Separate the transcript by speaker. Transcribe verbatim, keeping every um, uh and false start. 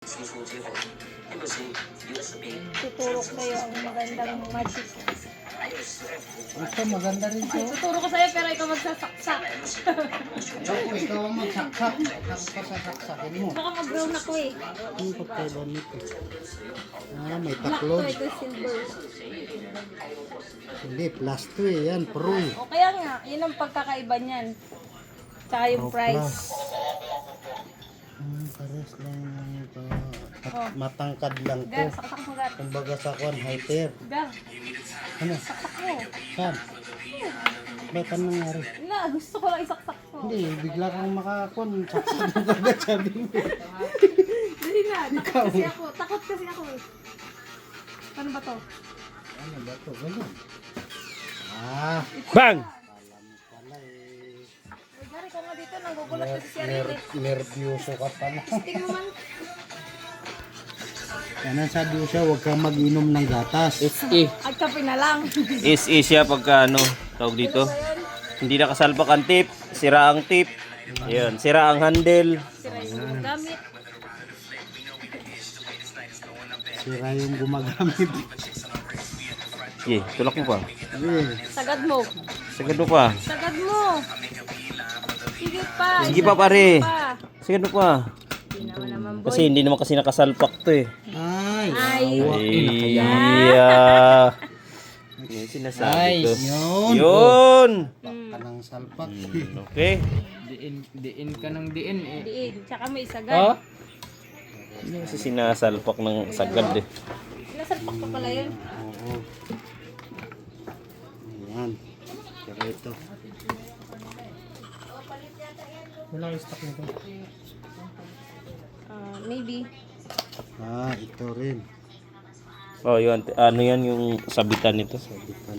Speaker 1: Tuturo ko sa'yo ang magandang magic.
Speaker 2: Ito, maganda rin to.
Speaker 1: Tuturo ko sa'yo pero ikaw magsasaksak.
Speaker 2: Ako, ikaw ang magsaksak. Ako pa sasaksakin mo.
Speaker 1: Baka mag-brown ako eh.
Speaker 2: Ano pa tayo nito? Ah, may
Speaker 1: Black to,
Speaker 2: taklod.
Speaker 1: ito silver.
Speaker 2: Hindi, plus two eh. Yan, pro eh.
Speaker 1: O kaya nga, yun ang pagkakaiba niyan. Tsaka yung
Speaker 2: Pro
Speaker 1: price.
Speaker 2: plus. Hmm, pares lang ito. At
Speaker 1: Oh.
Speaker 2: matangkad lang to.
Speaker 1: Gar, saksak mo gar.
Speaker 2: Kumbaga sa kwan, highter.
Speaker 1: Gar,
Speaker 2: Ano?
Speaker 1: saksak mo.
Speaker 2: Saan? Ba't anong nangyari?
Speaker 1: Na, gusto ko lang isaksak mo.
Speaker 2: Hindi, bigla kang makakon. Saksak mo kagad sabi mo.
Speaker 1: Dali na, takot kasi ako. Takot kasi ako eh. Ano ba to?
Speaker 2: Ano ba to? Ganun. Ah,
Speaker 3: Bang!
Speaker 2: alam mo pala eh.
Speaker 1: Uy, Gar, ikaw nga dito. Nagugulat
Speaker 2: Ner
Speaker 1: kasi si Ariel
Speaker 2: ner
Speaker 1: eh.
Speaker 2: nervyoso ka pala.
Speaker 1: Tingnan mo man.
Speaker 2: Yan ang sabi ko siya, huwag kang mag-inom ng gatas.
Speaker 3: S E.
Speaker 1: At kape na lang.
Speaker 3: S E siya pagka ano, tawag dito. Hindi nakasalpak ang tip, sira ang tip. Ayun, sira ang handle.
Speaker 1: Sira yung gamit.
Speaker 2: Sira yung gumagamit.
Speaker 3: Sige, tulak mo pa.
Speaker 2: Yeah.
Speaker 1: Sagad mo.
Speaker 3: Sagad mo pa.
Speaker 1: Sagad mo. Sige pa.
Speaker 3: Sige pa pare.
Speaker 1: Pa.
Speaker 3: Sagad mo pa.
Speaker 1: Hindi naman naman boy.
Speaker 3: Kasi hindi naman kasi nakasalpak to eh.
Speaker 2: Ay,
Speaker 1: Ay.
Speaker 2: awa.
Speaker 3: Iya. Yung sinasabi
Speaker 2: Ay,
Speaker 3: ko.
Speaker 2: yun.
Speaker 3: Yun.
Speaker 2: Ka ng salpak.
Speaker 3: Okay.
Speaker 4: Diin, diin ka ng diin eh.
Speaker 1: Diin. Tsaka may sagad.
Speaker 3: Oh? Hindi kasi sinasalpak ng sagad eh.
Speaker 1: Nasalpak pa pala yun.
Speaker 2: Oo. Ayan. Pero ito. Wala yung stock nito.
Speaker 1: Ah, maybe.
Speaker 2: Ah, ito rin.
Speaker 3: Oh, yun. Ano yan yung sabitan nito?
Speaker 2: Sabi ko